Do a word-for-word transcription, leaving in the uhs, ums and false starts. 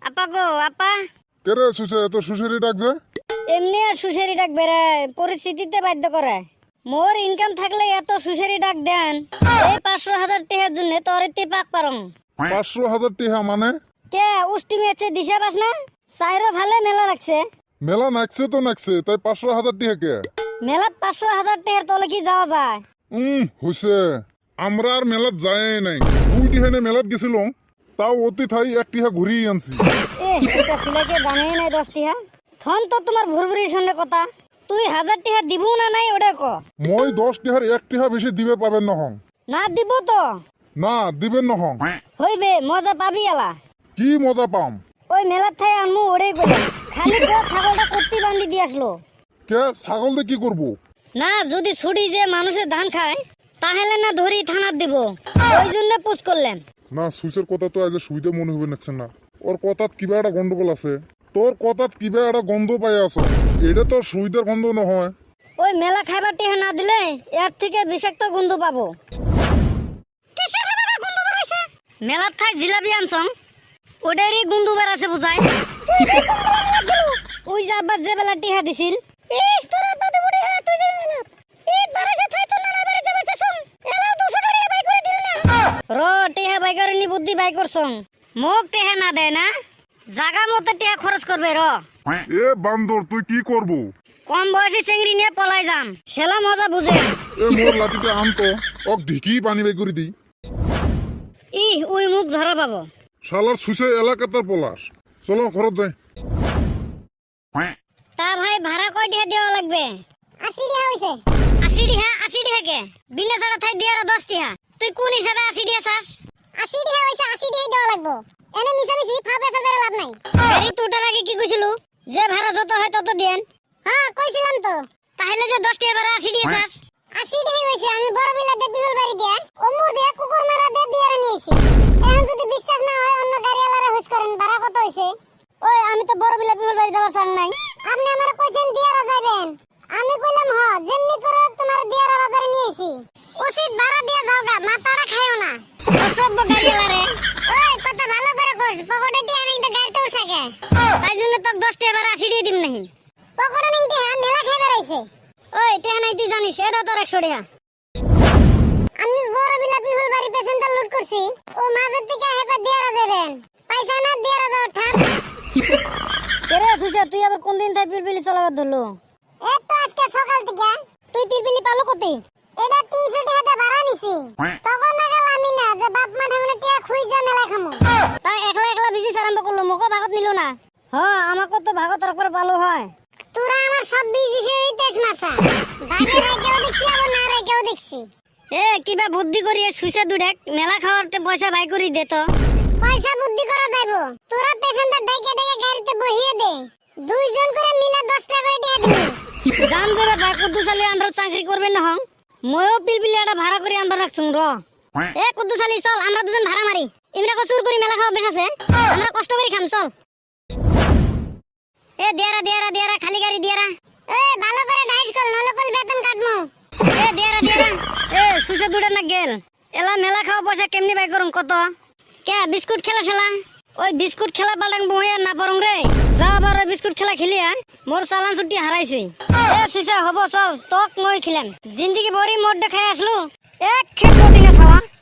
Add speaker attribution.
Speaker 1: আপা গো আপা।
Speaker 2: কেরে সুসে এত সুসেরি ডাক যে?
Speaker 1: এমনি আর সুসেরি ডাক বেড়ে পরিস্থিতিতে বাধ্য করে। মোর ইনকাম থাকলে এত সুসেরি ডাক দেন। এই পাঁচশো হাজার টাকার জন্য তোর এতে পাক পারম।
Speaker 2: পাঁচশো হাজার টিহা মানে?
Speaker 1: কে উষ্টি মেয়েছে দিশা পাস না? চাইরো ভালো মেলা লাগছে।
Speaker 2: মেলা নাকছে তো নাকছে, তাই পাঁচশো হাজার টিহা কে?
Speaker 1: মেলাত পাঁচশো হাজার টাকার তলে কি যাওয়া যায়?
Speaker 2: উম হইছে, আমরা আর মেলাত যায় নাই। দুই টিহানে মেলাত গেছিল, তাও অতি থাই এক টিহা ঘুরিয়ে আনছি।
Speaker 1: এ এটা ছেলেকে জানেই নাই দশ টিহা। থন তো তোমার ভুরভুরির সঙ্গে কথা। তুই হাজার টিহা দিব না নাই ওটা ক।
Speaker 2: মই দশ টিহার এক টিহা বেশি দিবে পাবেন নহং।
Speaker 1: না দিব তো
Speaker 2: না দিবেন নহং।
Speaker 1: হইবে মজা পাবি এলা।
Speaker 2: কি মজা পাম?
Speaker 1: ওই মেলার থাই আনমু ওড়েই গেল। খালি গো ছাগলটা কুত্তি বান্ধি দিয়ে আসলো।
Speaker 2: কে ছাগল দিয়ে কি করবো?
Speaker 1: না যদি ছুটি যে মানুষের ধান খায় তাহলে না ধরি থানার দিব। ওই জন্য পুষ করলেন।
Speaker 2: না সুইসের কথা তো আজ সুবিধা মনে হবে নাকছে না। ওর কথাত কিবা একটা গন্ডগোল আছে। তোর কথাত কিবা একটা গন্ধ পাই আছো। এটা তো সুবিধার গন্ধ নহয়।
Speaker 1: ওই মেলা খাইবার টিহা না দিলে এর থেকে বিষাক্ত গন্ধ পাবো। মেলার ঠাই জিলাপি আনছং ওটারই গন্ধ বেড়াছে বুঝায়। ওই যে আব্বা যে বেলা টিহা দিছিল। র টিহা বাই করে নি বুদ্ধি বাই করছং। মোক টিহা না দেয় না, জাগা মতো টিহা খরচ করবে র।
Speaker 2: এ বান্দর তুই কি করবো?
Speaker 1: কম বয়সী চেংড়ি নিয়ে পলাই যাম, সেলা মজা বুঝে।
Speaker 2: এ মোর লাঠিতে আনতো, ওক ঢিকি পানি বাই করে দি।
Speaker 1: ই ওই মুখ ধরা পাবো।
Speaker 2: শালার সুসে এলাকাতার পলাশ। চলো ঘরত যাই।
Speaker 1: তা ভাই ভাড়া কয় টাকা দেওয়া লাগবে? আশি টাকা হইছে। আশি টাকা? আশি টাকা কে? বিনা ছাড়া থাই দিয়ে আর দশ টাকা। তুই কোন হিসাবে আশি টাকা চাস? আশি টাকা হইছে, আশি টাকা দেওয়া লাগবে। এনে মিশামিশি ফাপে সাথে লাভ নাই। এই তোটার আগে কি কইছিল? যে ভাড়া যত হয় তত দেন। হ্যাঁ কইছিলাম তো। তাহলে যে দশ টাকা ভাড়া আশি টাকা চাস? আশি টাকা হইছে। আমি বড় বিলাতে বিমল বাড়ি দিয়া অমর দিয়া কুকুর মারা দে দিয়ে নিয়েছি। এখন যদি বিশ্বাস না হয় অন্য গাড়িওয়ালারা হুস করেন ভাড়া কত হইছে। ওই আমি তো বড় বিলা বিমল বাড়ি যাওয়ার চান নাই। আপনি আমারে কইছেন দিয়ারা যাইবেন। আমি কইলাম হ যেমনি করে তোমার দিয়ারা বাজারে নিয়েছি। উচিত ভাড়া দিয়ে যাওগা, মাথাটা খাইও না। অসভ্য গাড়িওয়ালারে। ওই কথা ভালো করে কইস, পকেটে টিয়া নাই তো গাড়িতে উঠছে কে? তাই জন্য তো দশ টাকা ভাড়া আশি টাকা দিম নাই। পকেটে নাই টিয়া মেলা খাই বেড়াইছে। ওই টিয়া নাই তুই জানিস, এটা তোর একশো টাকা। আমি বড় বিলা বিমল বাড়ি পেছনটা লুট করছি। ও মাঝের থেকে হেপা দিয়ারা দেবেন। পয়সা না দিয়ারা দাও ঠাক। কেরে সুজা তুই আবার কোন দিন তাই পিলপিলি চালাবার ধরলো? এই তো আজকে সকাল থেকে। তুই পিলপিলি পালো কতি? এটা তিনশো টাকা দিয়ে ভাড়া নিছি। তখন না গেল আমি না যে বাপ মা ঠাকুরের টিয়া খুই যা মেলা খামু। তাই একলা একলা বিজি আরম্ভ করলো, মোকে ভাগত নিল না। হ্যাঁ আমাকে তো ভাগত রাখবার ভালো হয়। তোরা আমার সব বিজি সে তেজ মাথা। ভাগে রাইকেও দেখছি আবার না রাইকেও দেখছি। এ কিবা বুদ্ধি করি সুইসা দুডেক মেলা খাওয়ার পয়সা বাই করি দে তো। পয়সা বুদ্ধি করা যাইব। তোরা পেছনটা ডাইকে ডাইকে গাড়িতে বহিয়ে দে। দুইজন করে মিলে দশ টাকা করে দিয়ে দিবি। জান করে ভাই কুদ্দুসালি আন্ডার চাকরি করবে না হং। ময়ও পিলপিলি একটা ভাড়া করে আনবার রাখছুম র। এ কুদ্দুসালি চল আমরা দুজন ভাড়া মারি। ইমরা কো চুর করে মেলা খাওয়া বেশ আছে। আমরা কষ্ট করে খাম চল। এ দিয়ারা দিয়ারা দিয়ারা খালি গাড়ি দিয়ারা। এ ভালো করে ডাইস কর নলে কল বেতন কাটমু। এ দিয়ারা দিয়ারা। এ সুসে দুড়ে না গেল। এলা মেলা খাওয়া পয়সা কেমনি বাই করুম কত? কে বিস্কুট খেলা খেলা? ওই বিস্কুট খেলা পালাং বইয়া না পারং রে। যা আবার ওই বিস্কুট খেলা খেলিয়া মোর চালান ছুটি হারাইছে। এ সুসে হবো চল তোক মই খিলাম। জিন্দেগি বড়ি মোট দেখাই আসলো। এক খেত দিনে খাওয়া।